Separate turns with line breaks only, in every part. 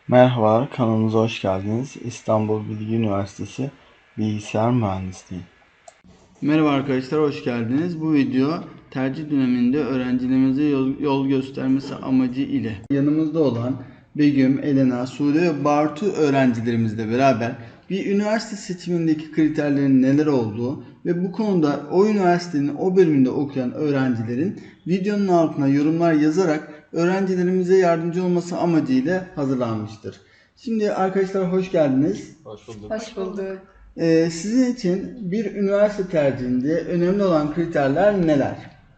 Merhaba, kanalımıza hoş geldiniz. İstanbul Bilgi Üniversitesi Bilgisayar Mühendisliği. Merhaba arkadaşlar, hoş geldiniz. Bu video tercih döneminde öğrencilerimize yol göstermesi amacı ile yanımızda olan Begüm, Elena, Sude ve Bartu öğrencilerimizle beraber bir üniversite seçimindeki kriterlerin neler olduğu ve bu konuda o üniversitenin o bölümünde okuyan öğrencilerin videonun altına yorumlar yazarak öğrencilerimize yardımcı olması amacıyla hazırlanmıştır. Şimdi arkadaşlar hoş geldiniz.
Hoş bulduk.
Hoş bulduk.
Sizin için bir üniversite tercihinde önemli olan kriterler neler?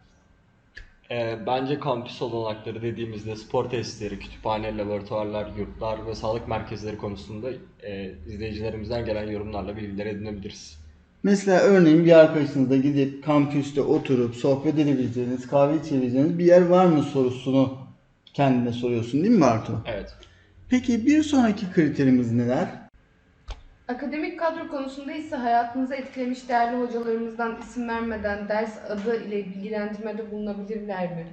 Bence kampüs olanakları dediğimizde spor tesisleri, kütüphane, laboratuvarlar, yurtlar ve sağlık merkezleri konusunda izleyicilerimizden gelen yorumlarla bilgiler edinebiliriz.
Mesela örneğin bir arkadaşınızla gidip kampüste oturup sohbet edebileceğiniz, kahve içebileceğiniz bir yer var mı sorusunu kendine soruyorsun değil mi Bartu?
Evet.
Peki bir sonraki kriterimiz neler?
Akademik kadro konusunda ise hayatınızı etkilemiş değerli hocalarımızdan isim vermeden ders adı ile bilgilendirmede bulunabilirler mi?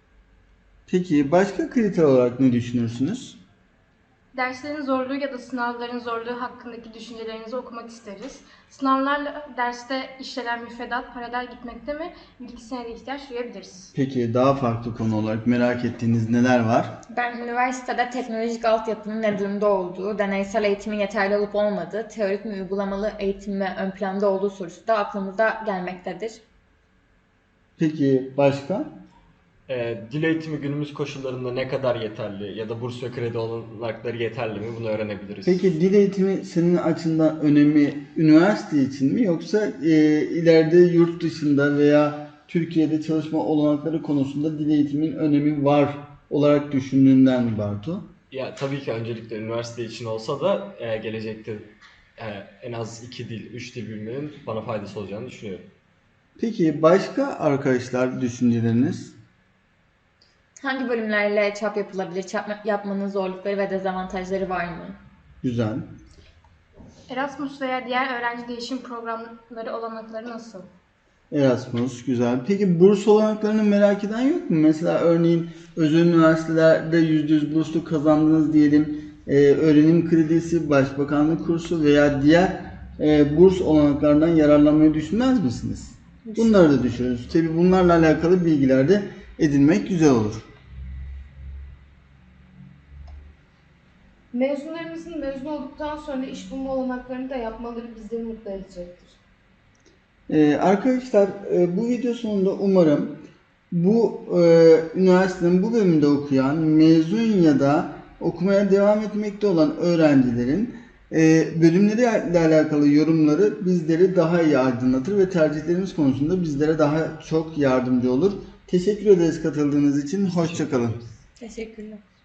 Peki başka kriter olarak ne düşünürsünüz?
Derslerin zorluğu ya da sınavların zorluğu hakkındaki düşüncelerinizi okumak isteriz. Sınavlarla derste işlenen müfredat paralel gitmekte mi? Bilgisine de ihtiyaç duyabiliriz.
Peki daha farklı konu olarak merak ettiğiniz neler var?
Ben üniversitede teknolojik altyapının ne durumda olduğu, deneysel eğitimin yeterli olup olmadığı, teorik mi uygulamalı eğitim mi ön planda olduğu sorusu da aklımıza gelmektedir.
Peki başka?
Dil eğitimi günümüz koşullarında ne kadar yeterli ya da burs ve kredi olanakları yeterli mi bunu öğrenebiliriz.
Peki dil eğitimi senin açından önemi üniversite için mi yoksa ileride yurt dışında veya Türkiye'de çalışma olanakları konusunda dil eğitimin önemi var olarak düşündüğünden mi Bartu?
Ya tabii ki öncelikle üniversite için olsa da gelecekte en az 2 dil, 3 dil bilmenin bana faydası olacağını düşünüyorum.
Peki başka arkadaşlar düşünceleriniz?
Hangi bölümlerle çap yapılabilir, çap yapmanın zorlukları ve dezavantajları var mı?
Güzel.
Erasmus veya diğer öğrenci değişim programları olanakları nasıl?
Erasmus güzel. Peki burs olanaklarını merak eden yok mu? Mesela örneğin özel üniversitelerde %100 burslu kazandınız diyelim. Öğrenim kredisi, başbakanlık kursu veya diğer burs olanaklarından yararlanmayı düşünmez misiniz? Bunları da düşünürüz. Tabii bunlarla alakalı bilgiler de edinmek güzel olur.
Mezunlarımızın mezun olduktan sonra iş bulma olanaklarını da yapmaları bizleri mutlu edecektir.
Arkadaşlar bu video sonunda umarım bu üniversitenin bu bölümünde okuyan, mezun ya da okumaya devam etmekte olan öğrencilerin bölümleriyle alakalı yorumları bizleri daha iyi aydınlatır ve tercihlerimiz konusunda bizlere daha çok yardımcı olur. Teşekkür ederiz katıldığınız için. Hoşça kalın.
Teşekkürler.